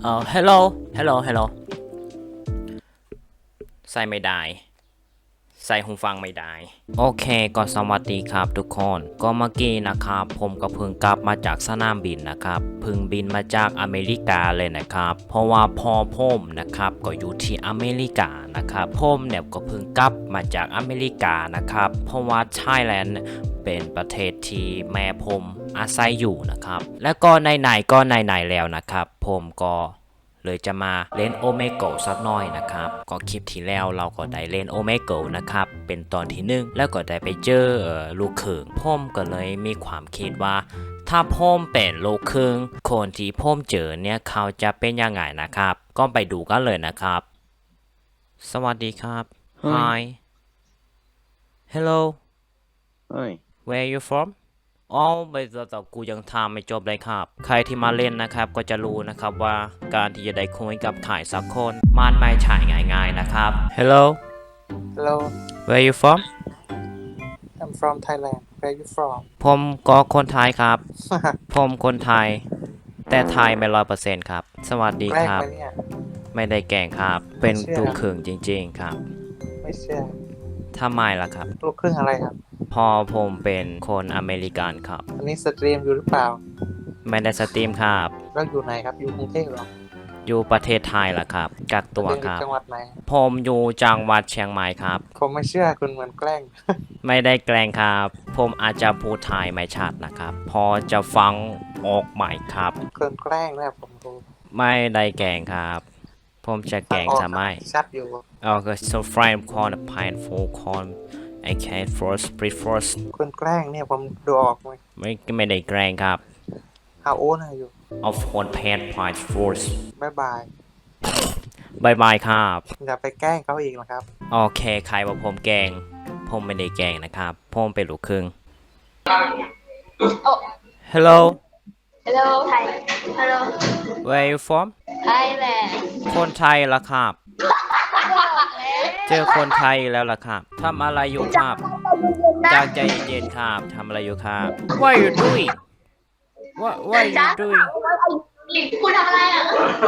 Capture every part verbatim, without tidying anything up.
เอ่อ hello hello hello ใส่ไม่ได้ใส่หูฟังไม่ได้โอเคก็สวัสดีครับทุกคนก็เมื่อกี้นะครับผมก็เพิ่งกลับมาจากสนามบินนะครับเพิ่งบินมาจากอเมริกาเลยนะครับเพราะว่าพ่อผมนะครับก็อยู่ที่อเมริกานะครับผมเนี่ยก็เพิ่งกลับมาจากอเมริกานะครับเพราะว่าไทยแลนด์เป็นประเทศที่แม่ผมอาศัยอยู่นะครับและก็ไหนๆก็ไหนๆแล้วนะครับผมก็เลยจะมาเล่นโอเมโกสักหน่อยนะครับก็คลิปที่แล้วเราก็ได้เล่นโอเมโกนะครับเป็นตอนที่หนึ่งแล้วก็ได้ไปเจอเอ่อลูกครึ่งพ่อมก็เลยมีความคิดว่าถ้าพ่อมเป็นลูกครึ่งคนที่พ่อมเจอเนี่ยเขาจะเป็นยังไงนะครับก็ไปดูกันเลยนะครับสวัสดีครับ Hi Hello Hi Where you from อ๋อไม่แต่กูยังทำไม่จบเลยครับใครที่มาเล่นนะครับก็จะรู้นะครับว่าการที่จะได้คุยกับใครสักคนมันไม่ใช่ง่ายๆนะครับ Hello Hello, Where you from I'm from Thailand. Where you from? ผมก็คนไทยครับ ผมคนไทย แต่ไทยไม่ร้อยเปอร์เซ็นต์ครับ สวัสดีแกล้งครับไหมเนี่ยไม่ได้แกล้งครับ เป็นไม่เชื่อลูกครึ่งจริงๆครับไม่เชื่อทำไมล่ะครับลูกครึ่งอะไรครับพอผมเป็นคนอเมริกันครับอันนี้สตรีมอยู่หรือเปล่าไม่ได้สตรีมครับแล้วอยู่ไหนครับ อยู่กรุงเทพเหรออยู่ประเทศไทยล่ะครับ กักตัวเรียนครับจังหวัดไหนผมอยู่จังหวัดเชียงใหม่ครับผมไม่เชื่อคุณเหมือนแกล้งไม่ได้แกล้งครับ ผมอาจจะพูดไทยไม่ชัดนะครับ พอจะฟังออกใหม่ครับคนแกล้งนะผมรู้ไม่ได้แกล้งครับ ผมจะแกล้งทำไมชัดอยู่ Okay, so frame corn, pine full corn, I can force, pre force คนแกล้งเนี่ยผมดูออกไหมไม่ไม่ได้แกล้งครับ How old are you of corn pan pine force บ๊ายบายบายบายครับอย่าไปแกล้งเขาอีกนะครับโอเค ใครว่าผมแกล้ง ผมไม่ได้แกล้งนะครับ ผมเป็นลูกครึ่ง Hello Hello Thai Hello where you from Thailand คนไทยละครับ เจอคนไทยแล้วล่ะครับทำอะไรอยู่ครับจากใจเย็นๆครับทำอะไรอยู่ครับ What are you doing What What are you doing คุณทำอะไรอ่ะ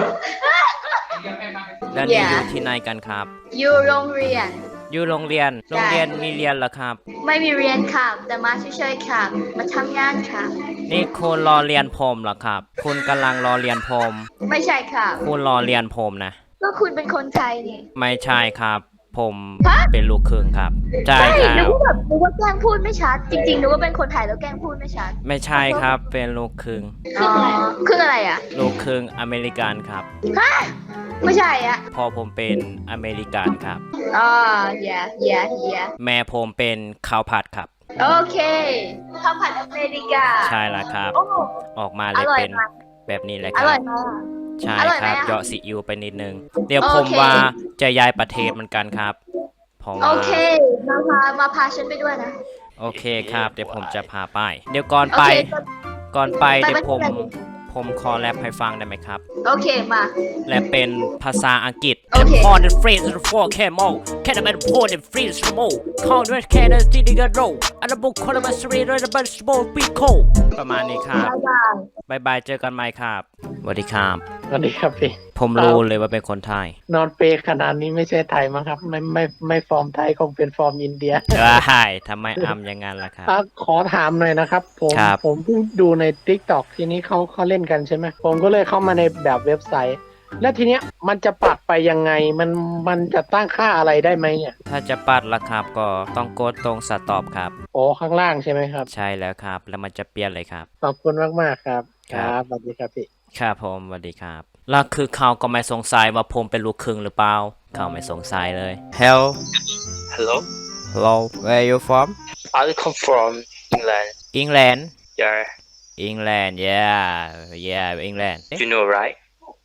แล้วนี่ Yeah อยู่ที่ไหนกันครับอยู่โรงเรียนอยู่โรงเรียน โรงเรียนมีเรียนเหรอครับไม่มีเรียนค่ะแต่มาเฉยๆค่ะ มาทำงานค่ะนี่คุณรอเรียนผมเหรอครับ คุณกำลังรอเรียนผมไม่ใช่ค่ะคุณรอเรียนผมนะก็คุณเป็นคนไทยนี่ไม่ใช่ครับ ผมฮะเป็นลูกครึ่งครับ ใช่ใช่ครันึกบว่าแบบนึกว่าแกล้งพูดไม่ชัด จริงๆนึกว่าเป็นคนไทยแล้วแกล้งพูดไม่ชัดไม่ใช่ครับ เป็นลูกครึ่งอ๋อคืออะไรอ่ะลูกครึ่งอเมริกันครับฮะไม่ใช่อ่ะพอผมเป็นอเมริกันครับอ๋อ yeah yeah yeah แม่ผมเป็นข้าวผัดครับโอเคข้าวผัดอเมริกาใช่แล้วครับโอ้ออกมาเลยอร่อยเป็นมากแบบนี้เลยอครัร่อบ ยมากใช่อร่อยคไหมรับอะเหยาะซีอิ๊วไปนิดนึง เดี๋ยวโอผมเคว่าจะย้ายประเทศเหมือนกันครับเพราะโอว่าเค มาพา มาพาฉันไปด้วยนะโอเคครับ เดี๋ยวผมจะพาไป เดี๋ยวก่อนโอไปเคก่อนไปไปเดี๋ยวผมไปผมขอแรปให้ฟังได้ไหมครับโอเค มาแรปเป็นภาษาอังกฤษโอเคพอเดฟรีสโฟร์แคมอลแค่นั้นเป็นพอเดฟรีสโมคอนเวสแค่นั้นที่ดีกันโรอันดับบุคคลมาสรีระดับสโมปีโคประมาณนี้ครับบ๊ายบายบายบายเจอกันใหม่ครับสวัสดีครับสวัสดีครับพี่ผมรู้เลยว่าเป็นคนไทยนอนเปรย์ขนาดนี้ไม่ใช่ไทยมั้งครับ ไม่ไม่ไม่ฟอร์มไทยคงเป็นฟอร์มอินเดียใช่ทำไมอำอย่างนั้นล่ะครับอ่ะขอถามหน่อยนะครับ ผมครับผมเพิ่งดูใน ทิกตอก ทีนี้เขาเขาเล่นกันใช่ไหมผมก็เลยเข้ามาในแบบเว็บไซต์ แล้วทีเนี้ยมันจะปรับไปยังไงมันมันจะตั้งค่าอะไรได้ไหมเนี่ยถ้าจะปัดล่ะครับก็ต้องกดตรงสต็อปครับโอ้ข้างล่างใช่ไหมครับใช่แล้วครับ แล้วมันจะเปลี่ยนเลยครับขอบคุณมากๆครับคครัรับ บสวัสดีครับพี่ครับผมสวัสดีครับ แล้วคือเขาก็ไม่สงสัยว่าผมเป็นลูกครึ่งหรือเปล่า เขาไม่สงสัยเลย Hello Hello, Hello Where you from I come from England. England Yeah, England yeah yeah England you know, right?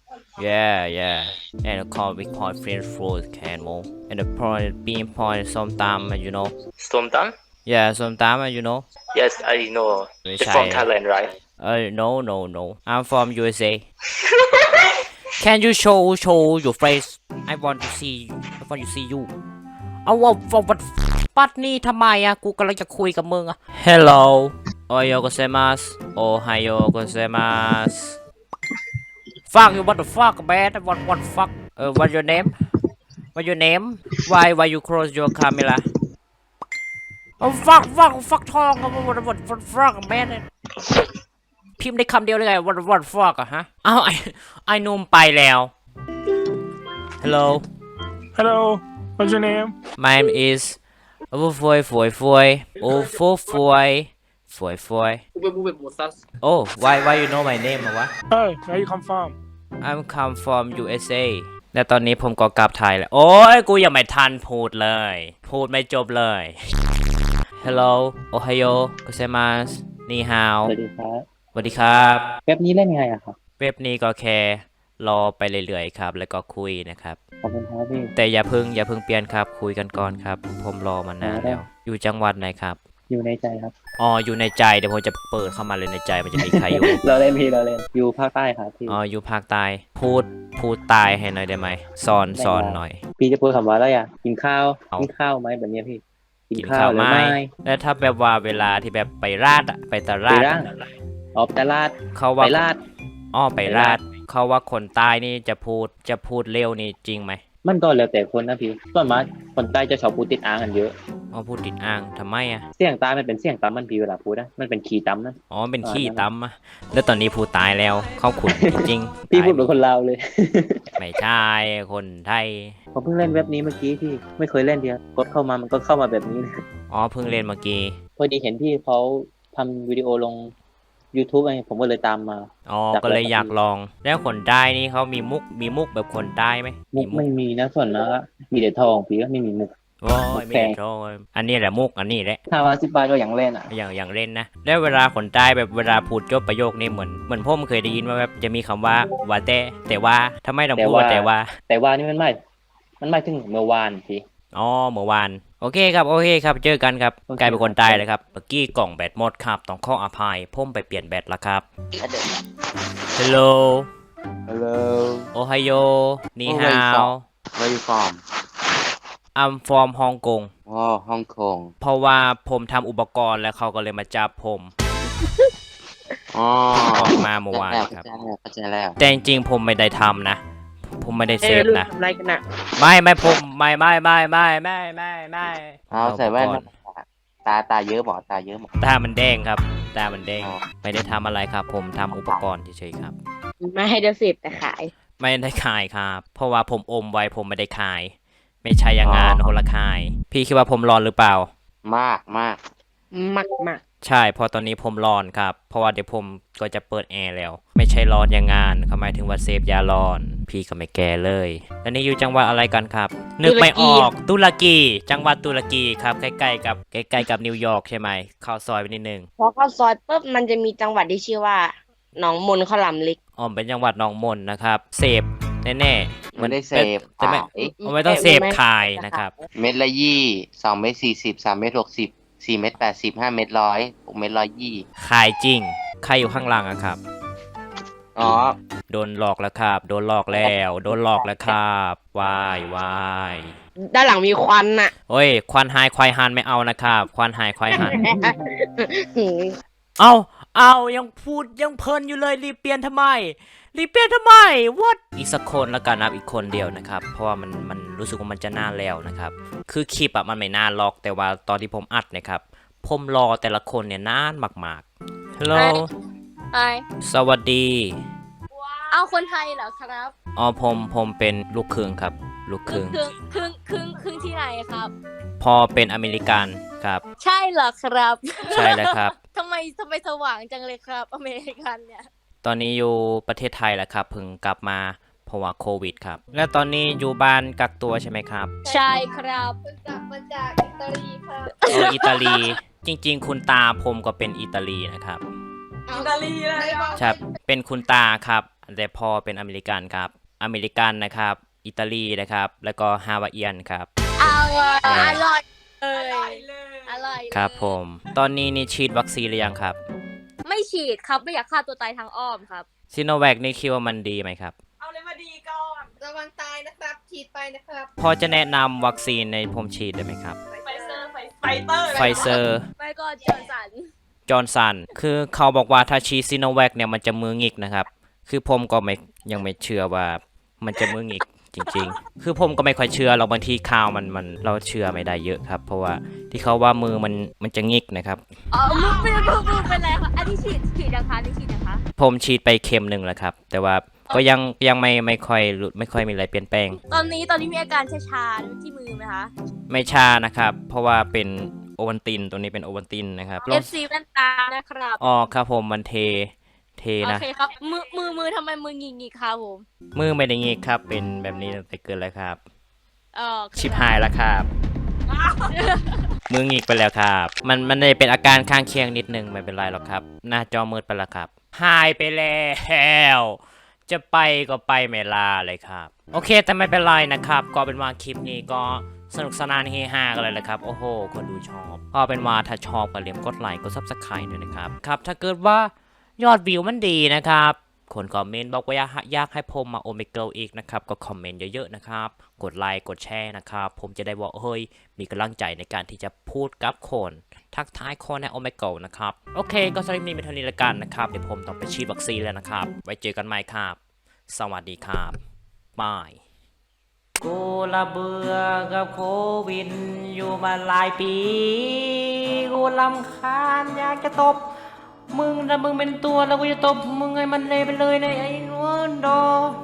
yeah yeah and call we call French food can more and the point bean point ส้มตำ you know Somtam? yeah ส้มตำ you know Yes, I know. Which You're from I- Thailand, right? Uh, no, no, no. I'm from U S A. Can you show show your face? I want to see. I want to see you. เอาว่าว่าปัดนี่ทำไมอะกูกำลังจะคุยกับมึงอะ Hello. Oyo gozaimasu. Ohayo gozaimasu. fuck you what the fuck man what what fuck เออ what your name what your name why why you close your camera oh fuck fuck fuck ทอง what what what fuck man พิมพ์ได้คำเดียวเลยไง what what fuck อะฮะอ้าวไอ้ไอ้นุ่มไปแล้ว hello Hello, what's your name? my name is โอ้ฟวยฟวยฟวยโอ้ฟวยฟวยฟวยฟวย oh why why you know my name อะวะ Oh, where you come from? I'm come from ยู เอส เอ และตอนนี้ผมก็กลับไทยแล้ว โอ้ย กูยังไม่ทันพูดเลย พูดไม่จบเลย Hello Ohio gozaimasu นี่ฮาวสวัสดีครับสวัสดีครับเว็บนี้เล่นยังไงอะครับเว็บนี้ก็แค่รอไปเรื่อยๆครับ แล้วก็คุยนะครับขอบคุณครับพี่แต่อย่าเพึ่งอย่าเพึ่งเปลี่ยนครับ คุยกันก่อนครับ ผมรอมานานแล้ว อยู่จังหวัดไหนครับอยู่ในใจครับอ๋อ อยู่ในใจ เดี๋ยวผมจะเปิดเข้ามาเลยในใจ มันจะมีใครอยู่เราเล่นพี่เราเล่น อยู่ภาคใต้ครับพี่อ๋อ อยู่ภาคใต้ พูด พูดตายให้หน่อยได้ไหมสอนสอนหน่อยพี่จะพูดคำว่าอะไรอะกินข้าวเอากิกินข้าวไหมแบบเนี้ยพี่กินข้าวหรือไหมไม่แล้วถ้าแบบว่าเวลาที่แบบไปราดอะไปตลาดไปราด ออกตลาดเขาไปว่าลาดอ้อไปไปราราดดเขาว่าคนใต้นี่จะพูดจะพูดเร็วนี่จริงไหมมันก็แล้วแต่คนนะพี่ส่วนมากคนใต้จะชอบพูดติดอ่างกันเยอะอ๋อพูดติดอ่างทำไมอ่ะเสียงตามันเป็นเสียงตามมันพี่เวลาพูดนะมันเป็นขีย์ตำนะอ๋อเป็นอ่าขี้นั่นแหละตำอะแล้วตอนนี้พูดตายแล้วเขาขุนจริงพี่ตายพูดเป็นคนลาวเลยไม่ใช่คนไทยผมเพิ่งเล่นเว็บนี้เมื่อกี้พี่ไม่เคยเล่นเดียวกดเข้ามามันก็เข้ามาแบบนี้เลยอ๋อเพิ่งเล่นเมื่อกี้พอดีเห็นพี่เขาทำวิดีโอลง YouTube ไงผมก็เลยตามมาอ๋ออยากก็เลยลองอยากลอง แล้วคนใต้นี่เขามีมุกมีมุกแบบคนใต้ไหมมุกไม่มีนะส่วนมากอะมีแต่ทองพี่ก็ไม่มีมุกโอ้ยมุกไม่แพได้งโทษอันนี้แหละมุกอันนี้แหละถ้าว่าสิบบาทก็อย่างเล่นอ่ะอย่างอย่างเล่นนะแล้วเวลาคนใต้แบบเวลาพูดจบประโยคนี่เหมือนเหมือนผมเคยได้ยินว่าแบบจะมีคำว่าว่าแต่แต่ว่าทำไมต้องพูดว่าแต่ว่าแต่ว่านี่มันไม่ มันไม่ถึงเมื่อวานพี่อ๋อเมื่อวานโอเคครับโอเคครับเจอกันครับโอเคกลายเป็นคนใต้เลยครับเมื่อกี้กล่องแบตหมดครับต้องขออภัยผมไปเปลี่ยนแบตแล้วครับ Hello Hello, Ohio นี่ฮาว where you from? I'm from Hong Kong Oh, Hong Kong. เพราะว่าผมทำอุปกรณ์แล้วเขาก็เลยมาจับผมอ๋อออกมาเมื่อวานครับเข้าใจแล้วแต่จริงๆผมไม่ได้ทำนะ ผมไม่ได้เซฟนะทำอะไรกันน่ะไม่ไม่ผมไม่ไม่ไม่ไม่ไม่ไม่ไม่เอาใส่แว่นอุปกรณ์ตาตาเยอะหมอตาเยอะหมอตามันแดงครับตามันแดงอ๋อไม่ได้ทำอะไรครับ ผมทำอุปกรณ์เฉยๆครับมาให้เดยวสิบแต่ขายไม่ได้ขายครับ เพราะว่าผมอมไว้ผมไม่ได้ขาย ไม่ใช่อย่างงานคนละขาย พี่คิดว่าผมร้อนหรือเปล่ามากมากมากมากใช่เพราะตอนนี้ผมร้อนครับ เพราะว่าเดี๋ยวผมก็จะเปิดแอร์แล้ว ไม่ใช่ร้อนอย่างงานเขาหมายถึงว่าเซฟยาร้อน พี่ก็ไม่แก่เลย แล้วนี่อยู่จังหวัดอะไรกันครับ นึกไม่ออกตุรกี จังหวัดตุรกีครับใกล้ๆกับใกล้ๆกับนิวยอร์กใช่ไหมเข้าซอยไปนิดนึงพอเข้าซอยปุ๊บมันจะมีจังหวัดที่ชื่อว่าหนองมนข้าวหลามลิกอ๋อเป็นจังหวัดหนองมนนะครับเสพแน่ๆไม่ได้เสพแต่ไม่ขายไม่ต้องเสพขายนะครับเม็ดละยี่สองเม็ดสี่สิบสามเม็ดหกสิบสี่เม็ดแปดสิบห้าเม็ดร้อยหกเม็ดร้อยยี่ขายจริง ใครอยู่ข้างล่างอะครับอ๋อโดนหลอกแล้วครับ โดนหลอกแล้ว โดนหลอกแล้วครับวายวายด้านหลังมีควันน่ะโอ้ย ควันหายควายหันไม่เอานะครับ ควันหายควายหันหืมเอาเอายังพูดยังเพลินอยู่เลยรีบเปลี่ยนทำไม รีบเปลี่ยนทำไม what อีกสักคนแล้วกันนะครับอีกคนเดียวนะครับ เพราะว่ามันมันรู้สึกว่ามันจะนานแล้วนะครับ คือคลิปอะมันไม่นานหรอก แต่ว่าตอนที่ผมอัดนะครับ ผมรอแต่ละคนเนี่ยนานมากๆ ฮัลโหลไอสวัสดีเอาคนไทยเหรอครับอ๋อผมผมเป็นลูกครึ่งครับ ลูกครึ่งครึ่งครึ่งครึ่งครึ่งที่ไหนครับพอเป็นอเมริกันครับใช่เหรอครับใช่แล้วครับทำไมทำไมสว่างจังเลยครับ อเมริกันเนี่ยตอนนี้อยู่ประเทศไทยแล้วครับเพิ่งกลับมาเพราะว่าโควิดครับ และตอนนี้อยู่บ้านกักตัวใช่ไหมครับใช่ครับมาจากอิตาลีครับเอออิตาลี จริงๆ คุณตาผมก็เป็นอิตาลีนะครับอิตาลีเลยใช่เป็นคุณตาครับแต่พ่อเป็นอเมริกันครับ อเมริกันนะครับ อิตาลีนะครับ แล้วก็ฮาวายเอียนครับอร่อยอร่อยเลยอร่อยครับผม ตอนนี้นี่ฉีดวัคซีนหรือยังครับไม่ฉีดครับไม่อยากฆ่าตัวตายทางอ้อมครับซิโนแวคนี่คิดว่ามันดีไหมครับเอาเลยมาดีก่อนระวังตายนะครับฉีดไปนะครับพอจะแนะนำวัคซีนในผมฉีดได้ไหมครับไฟเซอร์ไฟเตอร์ไฟเซอร์ไปก่อนจอร์นสันจอร์นสัน คือเขาบอกว่าถ้าฉีดซิโนแวคเนี่ยมันจะมือหงิกนะครับคือผมก็ไม่ยังไม่เชื่อว่ามันจะมือหงิกจริงๆ คือผมก็ไม่ค่อยเชื่อเราบางทีข่าวมันมันเราเชื่อไม่ได้เยอะครับ เพราะว่าที่เขาว่ามือมันมันจะงิกนะครับอ๋อมือเป็นมือมือเป็นไรคะอันนี้ฉีดฉีดนะคะอันนี้ฉีดนะคะผมฉีดไปเข็มหนึ่งแล้วครับ แต่ว่าก็ยังยังไม่ไม่ค่อยรู้ไม่ค่อยมีอะไรเปลี่ยนแปลงตอนนี้ตอนนี้มีอาการชาๆที่มือไหมคะไม่ชานะครับ เพราะว่าเป็นโอวัลตินตัวนี้เป็นโอวัลตินนะครับเอฟซีแว่นตานะครับอ๋อครับผมมันเทเทโอนะเคครับมือมือมือทำไมมือหงิกหงิกๆครับผมมือไม่ได้งิกครับ เป็นแบบนี้ตั้งแต่เกิดแล้วครับเออชิบหายแล้วครับ มือหงิกไปแล้วครับ มันมันได้เป็นอาการข้างเคียงนิดนึงไม่เป็นไรหรอกครับ หน้าจอมืดไปแล้วครับ หายไปแล้ว จะไปก็ไปไม่ลาเลยครับ โอเคแต่ไม่เป็นไรนะครับ ก็เป็นว่าคลิปนี้ก็สนุกสนานเฮฮากันเลยแหละครับ โอ้โห คนดูชอบ ก็เป็นว่าถ้าชอบก็เรียมกดไลค์กดซับสไครต์ด้วยนะครับ ครับ ถ้าเกิดว่ายอดวิวมันดีนะครับ คนคอมเมนต์บอกว่าอยากอยากให้ผมมาโอเมเกิลอีกนะครับ ก็คอมเมนต์เยอะๆนะครับ กดไลค์กดแชร์นะครับ ผมจะได้บอกเฮ้ย มีกำลังใจในการที่จะพูดกับคน ทักทายคนในโอเมเกิลนะครับ โอเค ก็สำหรับนี้เป็นเท่านี้ละกันนะครับ เดี๋ยวผมต้องไปฉีดวัคซีนแล้วนะครับ ไว้เจอกันใหม่ครับ สวัสดีครับบาย กูละเบื่อกับโควิดอยู่มาหลายปี กูลำคาญอยากจะตบ มึงถ้ามึงเป็นตัวแล้วกูจะตบมึงให้มันเลยไปเลยในะไอ้นวลดอ